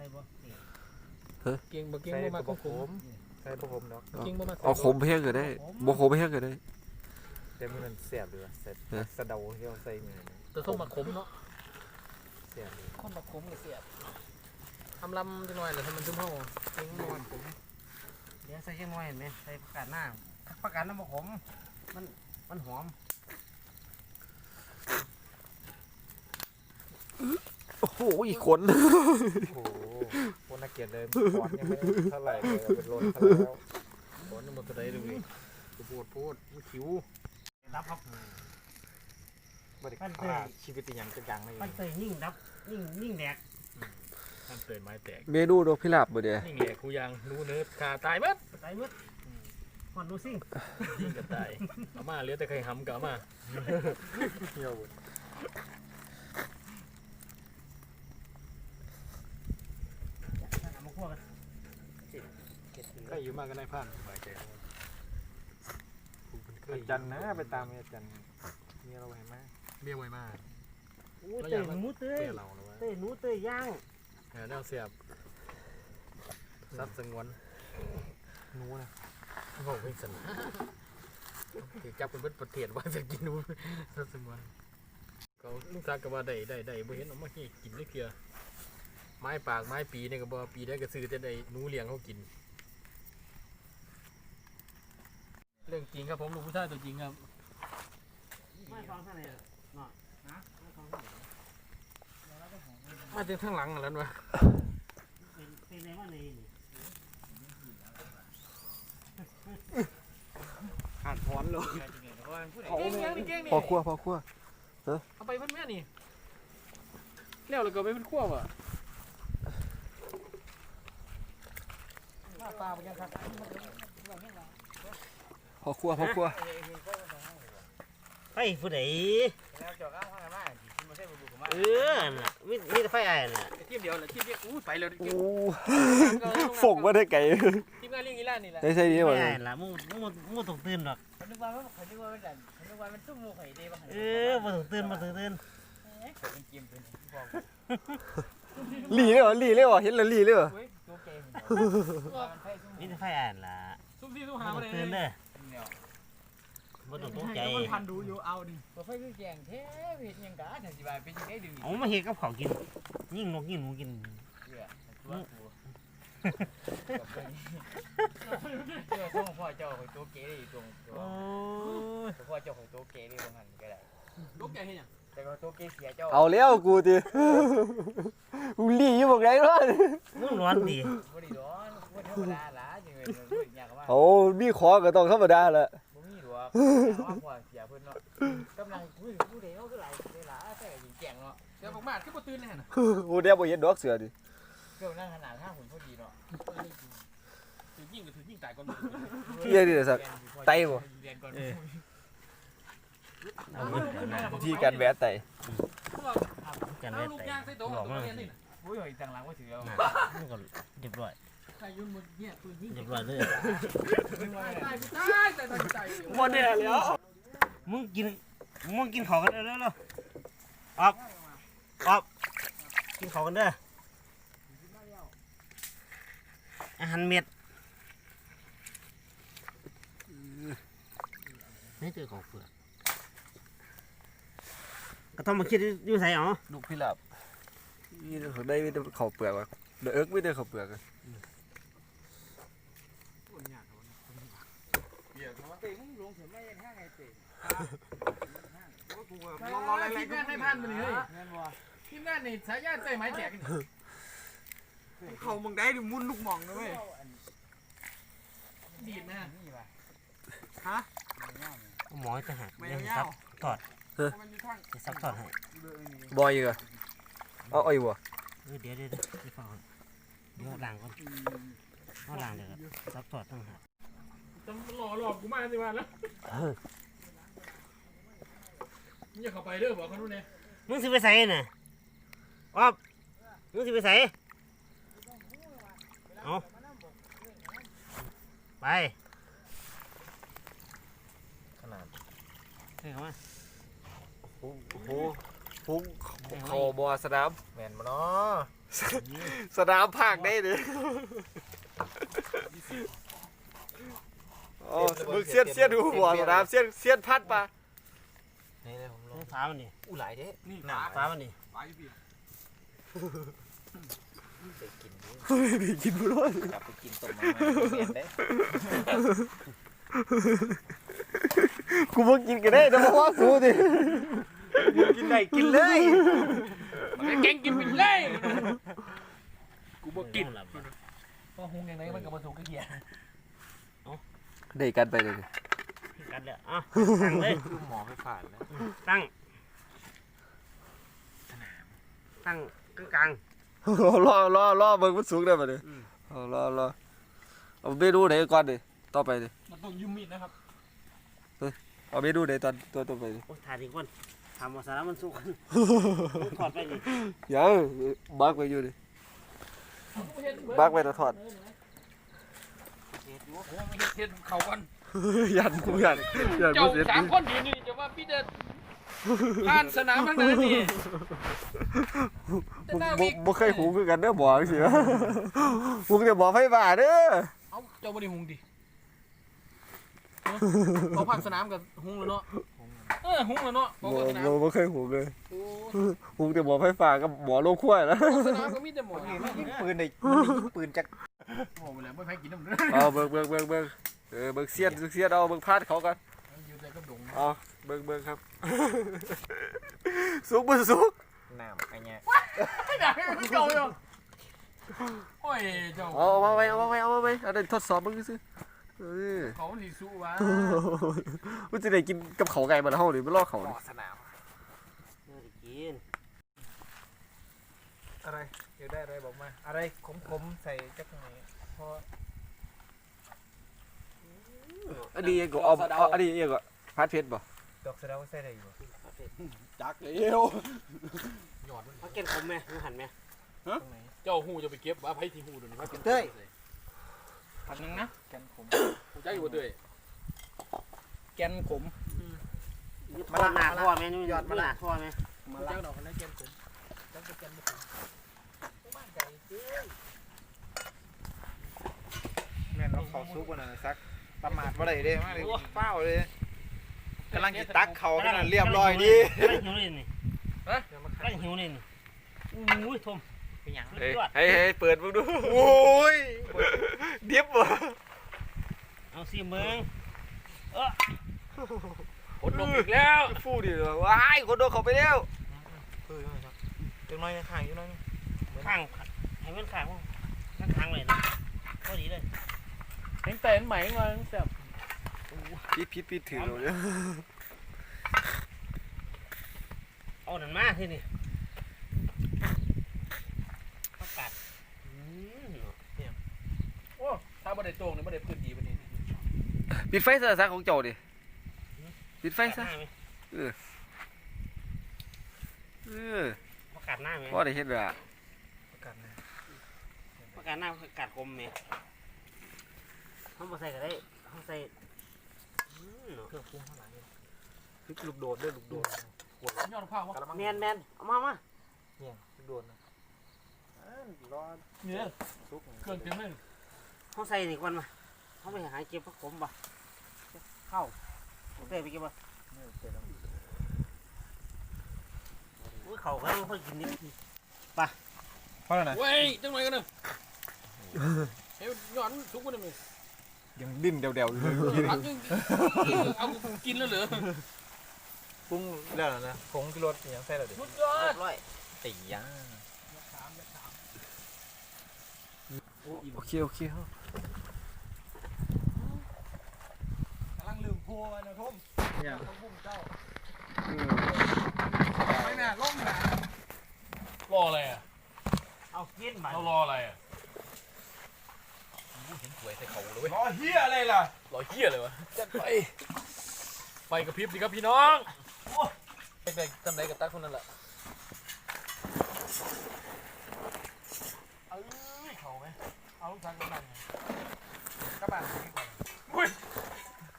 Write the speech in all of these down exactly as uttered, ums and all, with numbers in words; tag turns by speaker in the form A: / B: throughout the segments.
A: เก่งบ่เก่งบ่มาขม
B: ใส่บ่ขมเนาะ
A: เก่งบ่มา
C: เอาขมเพียงก็ได้บ่ขมเพียงก็ได้
B: แต่มันแซ่บเลยใส่สะเดาที่เราใส่มือ
A: แต่ส้มมาขมเนาะ
B: แซ่บ
A: คนมาขมก็แซ่บทำลำจังหน่อยแล้วให้มันชุ่มเฮาเก่งนอนขม
D: เดี๋ยวใส่เชียงน้อยเห็นไหมใส่ผักกาดหน้าผักกาดน้ำมะขมมันมันหอม
C: โอ้โหอีกคน
B: โอ้โหคนน่าเกลียดเลยขอนยังไม่เท่าไหร่เลยเป็นโลนเท่าแล้วขอนยังหมดตัวใดดูดิพูดพูดมันคิ้ว
D: รับครับ
B: บริการชีวิตอย่างจังๆเลย
D: มันเตยนิ่งรับนิ่งนิ่งแดก
A: มันเตยไม้แตก
C: เมนูดอกพิราบบ่เด้
A: นิ่งแหลกกูยังรู้เนื้อขาตายเบิด
D: ตายเบิดหอนดูซิ่ง
A: ยิงกับตายเอามาเหลือแต่ไข่หำกับมา
B: เที่ยวบุญ
D: มาคั่วกัน
B: ใครอยู่มากก็ได้ผ่านสบายใจจันนะไปตามอาจารย์เมียเราไว้มาก
A: เบี้ยไว้มาก
D: เตยหนูเตยเตยหนูเตยย่าง
A: แนวเสียบซับสงวน
B: หนูนะ
A: โอ้ยสนที่จับเป็นประเทศว่าจะกินหนูซับสงวนเขาลูกสาวก็ว่าได้ได้ได้บ่เห็นออกมาให้กินได้เพียไม้ปากไม้ปีเนี่ยก็บ่ปีได้ก็ซื้อแต่ได้หนูเลี้ยงเขากินเรื่องจริงครับผมลูกผู้ชายตัวจริงครับ
D: ไม่ฟังท่านเลยหน่อยนะไม่ฟังท่านเลย
A: มาถึงข้างหลังแล้ววะ
D: เป็นเป็นอะไรวะนี่
B: ขาดพรเลย
A: เก่งยังนี่เก่งนี่
C: พอคั่วพอคั่ว
A: เออเอาไปเพื่อนแม่นี่เลี้ยวเลยก็ไปเป็นขั้วว่ะ
D: มาปลาไปยังครับ
C: พอคั่วพอคั่ว
D: ไฟผู้ใดเออน่ะมีมีแต่ไฟไอ้น่ะ
A: ทีมเดียวแหละทีมเดียวอู้ไปเลย
C: โอ้ฝงมาได้ไก่
A: ทีมงานเลี้ยงอีล่านี่แหละ
C: ได้ใช่ดี
D: มั้
C: ย
D: ไอ้ล่ะมูมูมูตกตื่นหรอก
E: เขานึกว่าเขานึกว่ามันดันเขานึกว่ามันตุ้มมูไข่ดีบ้าง
D: เออมาตกตื่นมาตกตื่น
E: เป็นเกมเป็นบอก
C: หลีเลยเหรอหลีเลยเหรอเห็นแล้วหลีเลยเหรอ
E: ตัวเกม
D: มีแต่ไฟไอ้ล่ะ
A: ซุ่มซี่ซุ่มหามาเลย
D: ตื่นเด้อบ่ต้องตกใจ
A: มันพันดูอยู่เอาดิ
E: บ่ไฟคือแกงแท้เห็ดยังกะถ้าสิบายเป็นยังไงดึง
D: เอามาเฮ็ดกับข้าวกินยิ่งนกยิ่งหนูกิน
E: เจ้าเจ้าของพ่อเจ้าของตัวเก๋ดิตรงตัวพ่อเจ้าของตัวเก๋ดิบางหันก็ได้
A: ตัวเก๋เห็นยัง
E: แต่ก็ตัวเก๋เสียเจ้า
C: เอาแล้วกูดิกูหลีอยู่บอกไงวะ
D: มึงร้อนดิ
E: บ่ได้ร้อนบ่ธรรมดาล่ะจังเลยอยากว่า
C: โอ้มีขอก็ต้องธรรมดาแหละ
E: บ่มีหรอกว่าพ่อเสียเพิ่นเนาะกำลังคุยผู้ใดเฮาคือหลายเวลาแต่ก็ยิงแกงเนาะ
A: เดี๋ยวผมมาคือบ่ตื่นเลยหั่นน่ะ
C: โอ้เดี๋ยวบ่เห็นดอกเสือดิ
E: เกี่ยวนั่งขนาดห้าหุ่นพอดีเนาะ
A: ถือยิงก็ถือยิงตายก่อน
C: เฮียดิสักไตบ่ที่การแวะไต
D: การแวะไตบอกมา
E: โอ้ยต่างหลังว่าถือเอา
D: มันก็เรียบร้อย
E: ใครยุ่นหมดเนี่ยปืนยิง
D: เรียบร้อยเลย
A: ตายตายตายตายตาย
D: บ่ได้แล้วมึงกินมึงกินข้าวกันเด้อแล้วออกออกกินข้าวกันเด้ออาหารเม็ดนี่เจอของเปลือกก็ต้องมาคิดอยู่ใส่อ๋อ
C: ลูกพิราบนี่เขาได้ไม่ได้ข้าวเปลือกว่ะเด็กไม่ได้ข้าวเปลือกอ่ะ
E: เดี๋ยวเขาเตะมึงลงถึงไม่ห้างไงเตะ
A: ลองอะไรทีมงานไม่พันมันเลยทีมงานนี่สายญาติใจไม้แตก
B: เขามึงได้ดิมุนลูกมองนะเว้ย
A: ดีดนะ
B: ฮะ
D: หมอจะหักยังซับถอดจะซับถอดให้
C: บอยอ่ะเอาเอาอยู่บ่
D: เดี๋ยวเดี๋ยวเดี๋ยวเดี๋ยวฟังเดี๋ยวล้างก่อนเอาล้างเดี๋ยวซับถอดต้องหัก
A: จะหล่อหลอกกูมาสิวันแล้วมึงอย่าเข้าไปเด้อบอกเขาดูเนี่ย
D: มึงสิไปใส่น่ะอ๊อบมึงสิไปใส่เอาไป
C: ขนาด
D: เฮ้ยเข้ามา
C: โอ้โหโหฟุ้งเขาบ่สนาม
B: แม่นบ่เนาะ
C: สนามภาคได้เด้โอ้มึงเสียนเสียนดูบ่สนามเสียนเสียนพัดปะ
B: นี่เลยผมลอง
D: นี่ฟ้ามันนี่
B: อู้หลายเด้
A: นี่
B: หนา
D: ฟ้ามันนี่
A: ไปพี่
B: ไปกินดิ
C: เฮ้ยได้กินบ่รอด
B: กลับไปกินต้มมาแม่นเด้
C: กูบ่กินก็ได้แต่บ่ว่ากูดิกินได้กินเลย
A: มันเก่งกินไปเลยกูบ่กิน
D: หลับ
A: พอหุงยังไงมันก็บ่ถูกกระเทีย
C: ได้กันไปเลย
D: กันเลยอ่ะตั้งเลย
B: คือหมอให้ผ่านนะ
D: ตั้งตั้งกลาง
C: รอรอรอเบิ่งมันสูงได้บ่ดิเอารอรอเอาเมนูไหนก่อนดิต่อไปดิ
A: มันต้องยุ่มมีดนะครับ
C: เอาเมนูไหนตอนตัวต่อไปดิ
D: ๆโอ้ถ่ายดีกว่าทำมาสาระมันสู้กันถอดไปนี่
C: ยังบักไว้อยู่ดิบักไว้แล้วถอด
A: เฮ็ดเขากัน
C: ยันกูยันยัน
A: เจ้า
C: บ่เสร็จ
A: สามคนดีนี่จะว่าพี่เด็ดผ่านสนามทั้งนั้นนี่
C: บ่บ่บ่เคยหูคือกันเด้อบ่จังซี่วะหูแต่บ่ไฟฟ้าเด้อ
A: เอ้าเจ้าบ่ได้หุงดิเขาผ่านสนามกับหุงแล้วเนาะเออหุงแล้วเนาะบ
C: บ่
A: อกว่าสนาม
C: บ่บ่เคยหูเลย
A: โอ้
C: หูแต่บ่ไฟฟ้ากับบ่โลงขั้วแล้ว
A: สนามก็มีแต่หมอ
B: นี่มันยิงปืนได้มันยิงปืนจาก
A: โอ้ไปแล้วไม่ให้กินน้ำเด้อ
C: เอาเบิ่งเบิ่งเบิ่งเบิ่งเออเบิ่งเสียนเสียนเอาเบิ่งพาดเขากัน
A: อยู่แต่ก็ดง
C: เอาเบิ่งเบิ่งครับ สุกบ่สุก
B: น้ำไอ้เนี่ย
A: ไม่ได้ไม่เก่าเลยโอ้ยเจ้า
C: เอาเอามาไว้เอามาไว้เอามาไว้เอาได้ทดสอบมึงซื่อเออ
A: เขาสีสู้วะ
C: มันจะได้กินกับเขาไก่มันเฮาหรือมันลอกเขา
B: หม
C: นี่
B: อสนาม
D: เออกิน
B: อะไรอยากได้อะไรบอกมาอะไรขมๆใส่จักหน่อยเพราะ
C: อันนี้ก็เอาเอาอันนี้เองก็พัดเพชรบ่
B: ดอกสะเดาใส่ได้อยู่
C: จักเร็ว
A: หยอดมัน
D: มาเก็บผมไหมมึงหันไหม
B: ตรงไหน
A: เจ้าหูจะไปเก็บว่าไผที่หูเดี๋ยวนี้ว่าเป็น
B: เต้ย
A: ผัดนึงนะ
B: แกนขม
A: หูใจอยู่เต้ยแกนขม
D: นี่ทอดหน้าทอดไหมนี่ยอดมาหน้าทอดไหม
A: หูใจดอกคนได้แกนขมจังเป็นแกนบ่ขมบ้านไก่เอ้ย
B: แม่นเอาเขาซุกวันนั้นซักประมาทบ่ได้เด้มาเลยเป้าเลยกำลังกินตักเขาขนาดเรียบร้อยดี
D: กำลังหิวเลยนี่กำลังหิวเลยนี่อุ้ยทม
B: เป็นหยัง
C: เฮ้ยเฮ้ยเฮ้ยเปิดมึงดูโอ้ยเดียบบ่
D: เอาสิเมือง
A: ผลลงอีกแล้ว
C: ฟูดิว้ายคนโดนเขาไปแล้ว
B: เออจังน้อยข้างอยู่น้อย
D: ข้างให้มันข้างข้างข้างเลยนะก็ดีเลย
A: แข็งแต่นใหม่มาแซ่บ
C: พิดพิดพิดถือเราเนี่ย
D: เอาหนันมาที่นี่ประกาศ
A: โอ้ถ้าบ่ได้โตงนี่บ่ได้พื้นดีปานนี้
C: ปิดไฟซะซะของเจ้าดิปิดไฟซะ
D: หน้าไหม
C: เออ
D: ประกาศหน้าไหม
C: พอได้เฮ็ดแล้ว
B: ประกันนะ
D: ประกาศหน้าประกาศคมไหมเขามาใส่ก็ได้เขาใส่
B: เครื่องปรุงข้างหลังนี่พริกลูกโดดด้วยลูกโดดขวด
A: ยอดข้าววะ
B: กะละมัง
D: แมนแมนเอามามา
B: เนี่ยลูกโดดนะรอ
A: เนี่ย
B: ซุก
A: เครื่องเต็มเลย
D: เขาใส่นี่ก่อนมาเขาไปหาเก็บผักขมป่ะเข้าเขาใส่ไปเก็บป่ะอุ้ยเขาก็ต้องค่อยกินนิด
B: เพราะอะไร
A: เว้ยจังหน่อยกันเนอะเฮ้ยย้อนทุกคนเลย
B: ยังดิ้นเดี่ยวๆอยู่
A: พักยังเอากินแล้วเหรอ
B: ปรุงแล้วนะผงชูรสยังใส่แล้วดิ
A: สุดยอ
D: เรีย
A: ด
D: บร้อย
B: ตีย่า
C: โอเคโอเค
A: กำลังลืมพัวนะทุ่ม
B: เนี่ย
A: ต้องพุ่มเจ้าไม่น่าล่มนะรออะไรอ่ะ
D: เอากินมา
A: เรารออะไรอ่ะเห็นสวยใส่เขาเลยเว้ย
B: รอเฮียอะไรล่ะ
A: รอเหี้ยเลยวะจัดไปไฟกระพริบดีครับพี่น้องไปไปจำได้กับตาคนนั้นแหละเอ้ยเขาไหมเอาลูกชักกำลังกระบะอุ้ย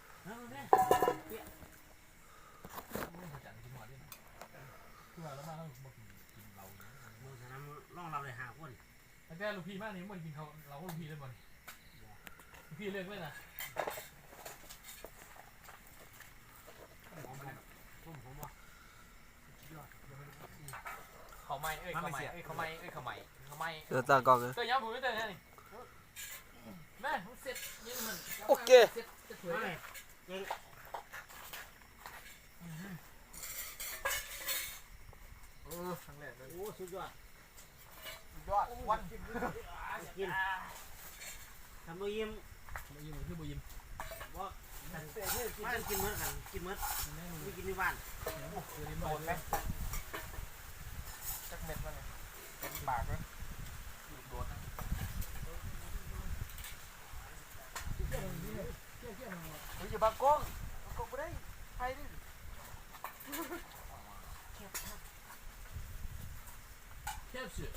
A: จันทร์ที่หัวด้วยนะคือว่าแล้วมาทางแต่ลูกพี่มากนี่มันกินเขาเราก็ลูกพี่เลยบ่ลูกพี่เลิกเลยนะเขาไม่เอ้ยเขาไม่เอ้ยเขาไม่เอ้ยเขาไม่เขาไม่
C: เดี๋ยวตากล้องเลย
A: เตยย้ำผมไม่เตยนี่แม่เสร็จนี่มัน
C: โอเค
A: เสร็จจะสวยเลยเออครั้งแรกเลย
D: โอ้สุดยอด
E: ยอดวัน
D: กินทำมือยิ้ม
A: บุยิมคือบุยิม
D: ว่ากินกินเมื่อกันกินเมื่อไม่กินในบ้าน
A: คือริม
E: โด
A: โด
E: น
A: น
E: ไหมจักเม็ดมันเนี่ยเป็นปากเลยโดนนะ เฮ้ยอย่าบังกล้องบังกล้องไม่ได้ใครดิ
A: แค่สุด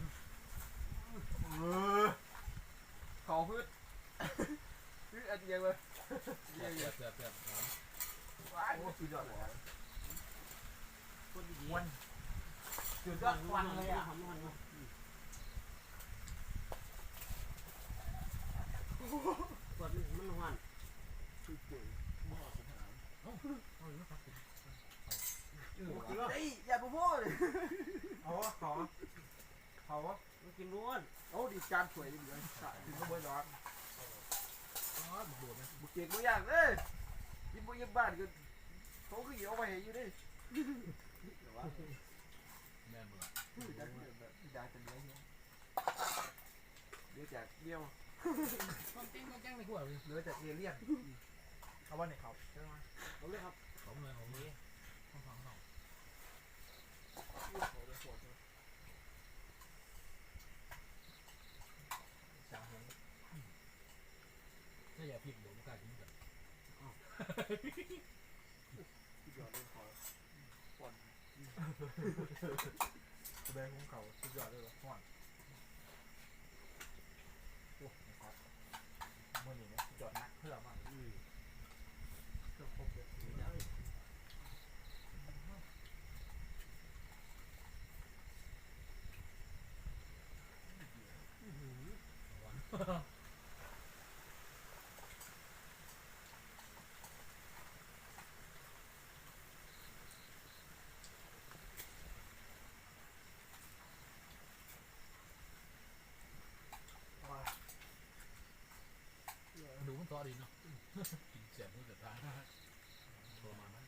E: เขาพืชพืชอะไรยังไง
A: เสียบเสียบเสียบเสียบ
E: ว้ายโอ้สุดยอดเลย
D: คนดี
E: วันสุดยอดวันเลยอ่ะ
D: หอมหอมกดมันหวาน
E: เฮ้ยอย่าไปพูดเลยเอาวะเขาเขาวะ
D: มันกินร้วน
E: โอ้ดีจานสวยดีเลยถึงก็บ่อยร้อน
A: โดดไหม
E: บุกเก่งบุกอย่างเลยยิ้มบุกยิ้มบ้านก็เขาคือเอาไปอยู่ดิ
A: แม่เบื่อ
E: พี่ดาพี่ดาจะเลี้ยงเลี้ยงจากเลี้ยว
A: ต้องติ้งต้องแจ้งในกูอ่ะ
E: เลี้ยงจากเลี้ยงเลี้ยงเขาว่าไหนเขาใช่ไหม
D: เอาเลยครับ
A: ของเลยของนี้ต้องฟังต้องถ้าอย่าพิมพ์เดี๋ยวมันกลายเป็นแบบ
E: สุดยอดเลยเขาปอนแสดงของเขาสุดยอดเลยว่ะห่อนโอ้นะครับเมื่อนี้เนี่ยสุดยอดนักเพื่อมากเครื่องครบเลย
A: ดูมันต่อดีเนาะกินเสียงมันจะตายโทรมาไหม